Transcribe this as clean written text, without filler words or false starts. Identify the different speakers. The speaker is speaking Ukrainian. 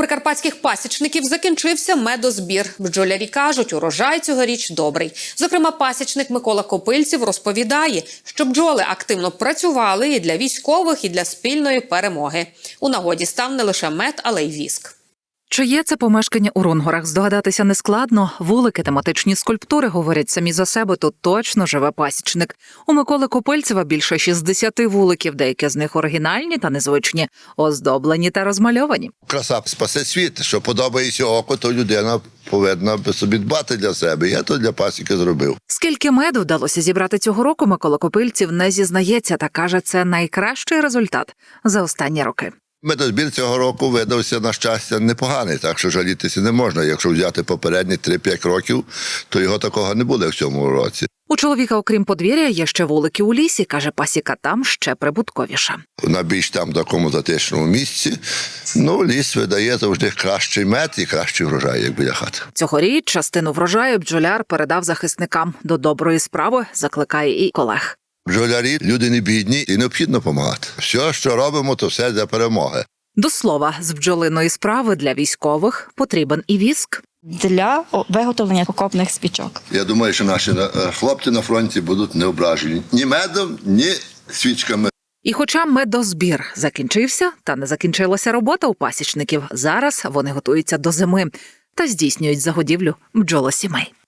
Speaker 1: прикарпатських пасічників закінчився медозбір. Бджолярі кажуть, урожай цьогоріч добрий. Зокрема, пасічник Микола Копильців розповідає, що бджоли активно працювали і для військових, і для спільної перемоги. У нагоді став не лише мед, але й віск.
Speaker 2: Чиє це помешкання у Рунгорах, здогадатися нескладно. Вулики, тематичні скульптури говорять самі за себе, тут точно живе пасічник. У Миколи Копильцева більше 60 вуликів, деякі з них оригінальні та незвичні, оздоблені та розмальовані.
Speaker 3: Краса спасе світ, що подобається око, то людина повинна собі дбати для себе. Я то для пасіки зробив.
Speaker 2: Скільки меду вдалося зібрати цього року, Микола Копильців не зізнається та каже, це найкращий результат за останні роки.
Speaker 3: Медозбір цього року видався, на щастя, непоганий, так що жалітися не можна. Якщо взяти попередні 3-5 років, то його такого не буде в цьому році.
Speaker 2: У чоловіка, окрім подвір'я, є ще вулики у лісі, каже, пасіка там ще прибутковіша.
Speaker 3: На більш там такому затишному місці, ліс видає завжди кращий мед і кращий врожай, як біля хати.
Speaker 2: Цьогоріч частину врожаю бджоляр передав захисникам. До доброї справи закликає і колег.
Speaker 3: Бджолярі – люди не бідні і необхідно допомагати. Все, що робимо, то все для перемоги.
Speaker 2: До слова, з бджолиної справи для військових потрібен і віск.
Speaker 4: Для виготовлення окопних свічок.
Speaker 3: Я думаю, що наші хлопці на фронті будуть не ображені ні медом, ні свічками.
Speaker 2: І хоча медозбір закінчився, та не закінчилася робота у пасічників, зараз вони готуються до зими та здійснюють загодівлю бджолосімей.